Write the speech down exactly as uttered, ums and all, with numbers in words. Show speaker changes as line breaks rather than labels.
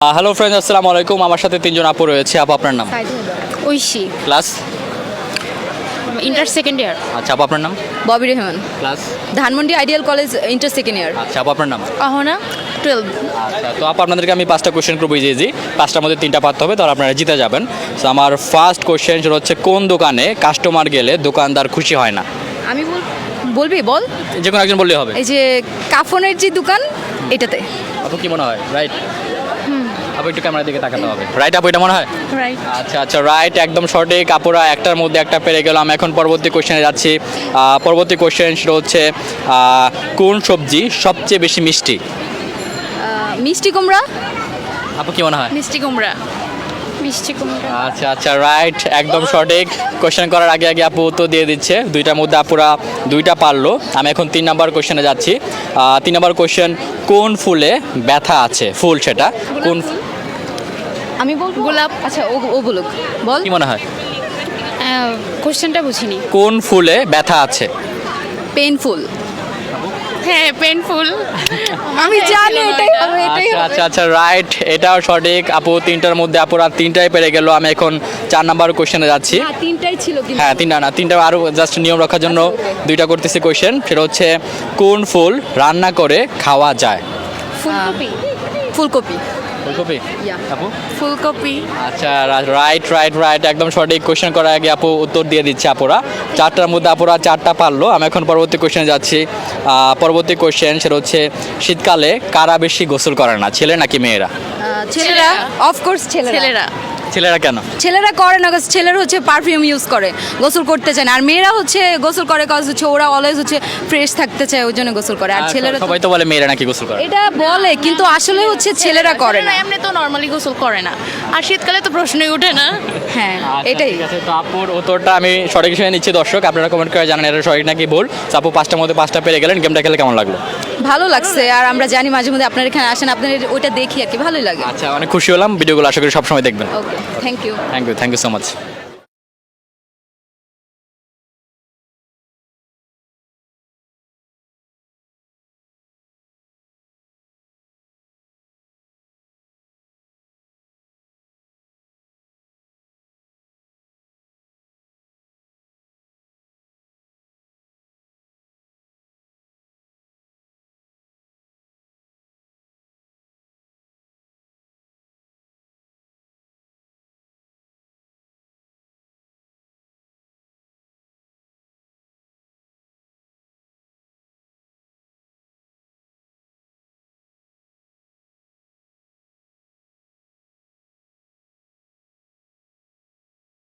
Hello friends, আসসালামু আলাইকুম। আমার সাথে তিনজন আপু রয়েছে। আপু আপনার নাম?
Oishi,
class?
Inter second year.
আচ্ছা আপু আপনার নাম?
Bobby Rehman,
class?
Dhanmondi ideal college, inter second year.
আচ্ছা আপু আপনার নাম?
অহনা, টুয়েলভ।
আচ্ছা, তো আপু আপনাদেরকে আমি পাঁচটা কোশ্চেন করবো, ইজি ইজি। পাঁচটার মধ্যে তিনটা পারতে হবে, তাহলে আপনারা জিতে যাবেন। তো আমার ফার্স্ট কোশ্চেন সেটা হচ্ছে, কোন দোকানে কাস্টমার গেলে দোকানদার খুশি হয় না?
আমি বল বলবি বল
যে কোনো একজন বললেই হবে।
এই যে কাফনের যে দোকান, এটাতে।
আপু কি মনে হয়? রাইট? আপু একটু ক্যামেরার দিকে তাকাতে হবে। রাইট আপু, এটা মনে হয়?
রাইট।
আচ্ছা আচ্ছা, রাইট, একদম সঠিক। আপুরা একটার মধ্যে একটা পেরে গেলাম। এখন পরবর্তী কোশ্চেনে যাচ্ছি। আহ, পরবর্তী কোশ্চেন সেটা হচ্ছে, আহ, কোন সবজি সবচেয়ে বেশি মিষ্টি?
আহ, মিষ্টি কুমড়া।
আপু কি মনে হয়?
মিষ্টি কুমড়া। মিষ্টি কুমড়া।
আচ্ছা আচ্ছা, রাইট, একদম সঠিক। কোশ্চেন করার আগে আগে আপু উত্তর দিয়ে দিচ্ছে। দুইটার মধ্যে আপুরা দুইটা পারলো। আমি এখন তিন নাম্বার কোশ্চেনে যাচ্ছি। আহ, তিন নাম্বার কোশ্চেন, কোন ফুলে ব্যথা আছে? ফুল সেটা কোন?
আমি বলবো
গোলাপ।
আচ্ছা, ও ও বলুক, বল।
কি মনে হয়?
কোশ্চেনটা বুঝিনি।
কোন ফুলে ব্যথা আছে?
পেইনফুল।
হ্যাঁ, পেনফুল।
আমি জানি এটাই হবে, এটাই
আচ্ছা
হবে।
আচ্ছা আচ্ছা, রাইট, এটাও সঠিক। আপু তিনটার মধ্যে আপুরা তিনটাই পেরে গেল। আমি এখন চার নাম্বার কোশ্চেনে যাচ্ছি।
হ্যাঁ, তিনটাই ছিল কিন্তু।
হ্যাঁ, তিনটা না, তিনটা আরও জাস্ট নিয়ম রাখার জন্য
আচ্ছা, okay.
দুইটা করতেছি কোশ্চেন। সেটা হচ্ছে, কোন ফুল রান্না করে খাওয়া যায়?
ফুলকপি।
ফুলকপি।
ফুলকপি?
Yeah.
আপু?
ফুলকপি।
আচ্ছা, রাইট রাইট রাইট, একদম সঠিক। কোশ্চেন করার আগে আপু উত্তর দিয়ে দিচ্ছে। আপুরা চারটার মধ্যে আপুরা চারটা পারলো। আমি এখন পরবর্তী কোশ্চেনে যাচ্ছি। আহ, পরবর্তী কোশ্চেন সেটা হচ্ছে, শীতকালে কারা বেশি গোসল করে না, ছেলে নাকি মেয়েরা?
আহ, ছেলেরা, অফকোর্স ছেলেরা।
ছেলেরা।
ছেলেরা কেন?
ছেলেরা করে না, কারণ ছেলেরা হচ্ছে পারফিউম ইউজ করে, গোসল করতে চায় না। আর মেয়েরা হচ্ছে গোসল করে, কাজ হচ্ছে ওরা অলওয়েজ হচ্ছে ফ্রেশ থাকতে চায়, ওই জন্য গোসল করে। আর
আর
ছেলেরা তো-
সবাই তো বলে মেয়েরা নাকি গোসল করে।
এটা বলে, কিন্তু আসলে হচ্ছে ছেলেরা করে না।
এমনি তো নর্মালি গোসল করে না, আর শীতকালে তো প্রশ্নই ওঠে না।
হ্যাঁ,
আচ্ছা,
এটাই।
ঠিক আছে। তো আপুর উত্তরটা আমি সঠিক হিসেবে নিচ্ছি। দর্শক আপনারা কমেন্ট করে জানান এটা সঠিক নাকি ভুল। তো আপু পাঁচটার মধ্যে পাঁচটা পেরে গেলেন। গেমটা খেলে কেমন লাগলো?
ভালো লাগছে। আর আমরা জানি মাঝে মধ্যে আপনার এখানে আসেন, আপনাদের ওইটা দেখি আর কি, ভালোই লাগে।
আচ্ছা, অনেক খুশি হলাম। ভিডিওগুলো আশা করি সবসময় দেখবেন।
Okay, thank you.
Thank you thank you so much.